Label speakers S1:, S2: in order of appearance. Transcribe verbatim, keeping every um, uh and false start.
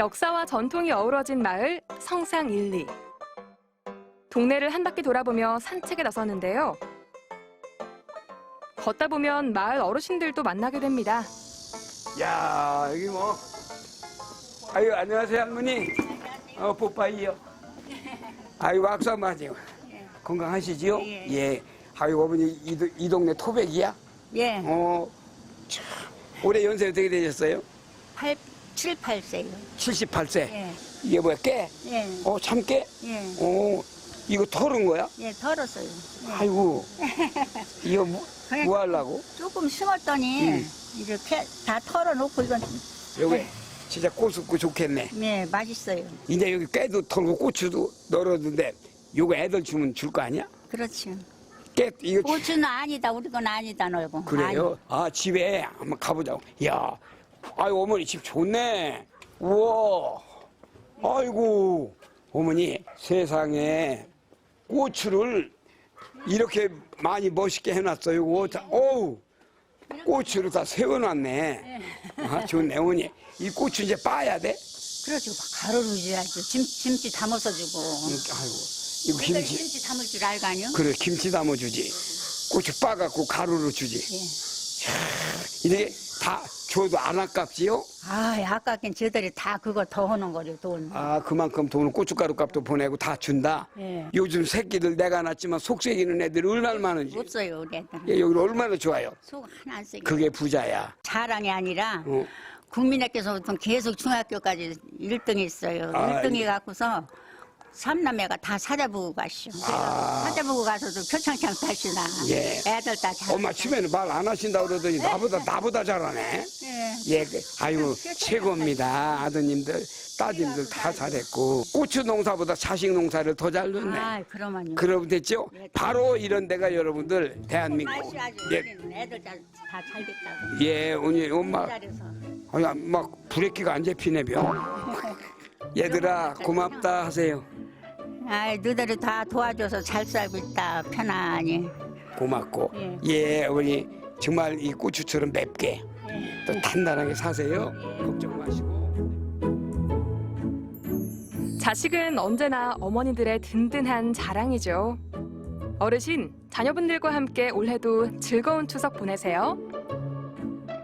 S1: 역사와 전통이 어우러진 마을 성상일리. 동네를 한 바퀴 돌아보며 산책에 나섰는데요. 걷다 보면 마을 어르신들도 만나게 됩니다.
S2: 야, 여기 뭐. 아유, 안녕하세요, 할머니. 어, 뽀빠이요. 아이고, 악수 한번 하세요. 건강하시지요?
S3: 예.
S2: 예. 아이고, 어머니, 이, 도- 이 동네 토백이야?
S3: 예,
S2: 어, 참. 올해 연세 어떻게 되셨어요?
S3: 팔, 칠, 팔 세요.
S2: 칠십팔 세.
S3: 예,
S2: 이게 뭐야, 깨?
S3: 예,
S2: 어, 참깨?
S3: 예,
S2: 어, 이거 털은 거야?
S3: 예, 털었어요. 예.
S2: 아이고, 이거 뭐, 뭐 하려고?
S3: 조금 심었더니
S2: 음.
S3: 이렇게 다 털어놓고 이건
S2: 여기 진짜 꼬숩고 좋겠네.
S3: 네 맛있어요.
S2: 이제 여기 깨도 털고 고추도 널었는데 요거 애들 주면 줄 거 아니야?
S3: 그렇죠.
S2: 깨 이거 주-
S3: 고추는 아니다, 우리 건 아니다 놀고.
S2: 그래요? 아 집에 한번 가보자고. 야, 아유 어머니 집 좋네. 우와, 아이고 어머니 세상에 고추를 이렇게 많이 멋있게 해놨어요. 이거 자, 어우 고추를 다 세워놨네. 아 좋네 어머니. 이 고추 이제 빠야 돼?
S3: 그렇죠. 가루를 줘야죠. 김, 김치 담아서 주고.
S2: 아이고 이거
S3: 우리가
S2: 김치.
S3: 김치 담을 줄 알거 아니요?
S2: 그래 김치 담아주지. 고추 빠갖고 가루로 주지.
S3: 예.
S2: 이게 다 줘도 안 아깝지요?
S3: 아, 아깝긴 저들이 다 그거 더 하는 거려 돈.
S2: 아 그만큼 돈을 고춧가루 값도 보내고 다 준다.
S3: 예.
S2: 요즘 새끼들 내가 낳았지만 속색이는 애들이 얼마나 많은지.
S3: 없어요, 우리 애들은.
S2: 예, 여기 얼마나 좋아요.
S3: 속 하나 안 쓰게.
S2: 그게 부자야.
S3: 자랑이 아니라
S2: 어.
S3: 국민학교에서부터 계속 중학교까지 일 등 했어요.
S2: 아,
S3: 일 등
S2: 예.
S3: 해갖고서 삼남매가 다 찾아보고 가시오.
S2: 아.
S3: 찾아보고 가서도 표창장 타시나.
S2: 예.
S3: 애들 다 잘.
S2: 엄마 처음에는 말 안 하신다 그러더니 나보다 나보다 잘하네.
S3: 예.
S2: 예, 그, 아유 최고입니다. 아드님들, 따님들 다 잘했고 고추 농사보다 자식 농사를 더 잘 넣네.
S3: 아, 그러면요.
S2: 그러면 됐죠? 바로 이런 데가 여러분들 대한민국.
S3: 맛이 아주
S2: 예,
S3: 우리는 애들 다 잘 됐다고.
S2: 예, 오늘 엄마,
S3: 잘해서.
S2: 아니, 막 브레이크가 안 잡히네 벼. 얘들아 고맙다 하세요.
S3: 아, 너희들이 다 도와줘서 잘 살고 있다. 편안히.
S2: 고맙고.
S3: 예.
S2: 예, 어머니 정말 이 고추처럼 맵게 또 단단하게 사세요. 걱정 마시고.
S1: 자식은 언제나 어머니들의 든든한 자랑이죠. 어르신, 자녀분들과 함께 올해도 즐거운 추석 보내세요.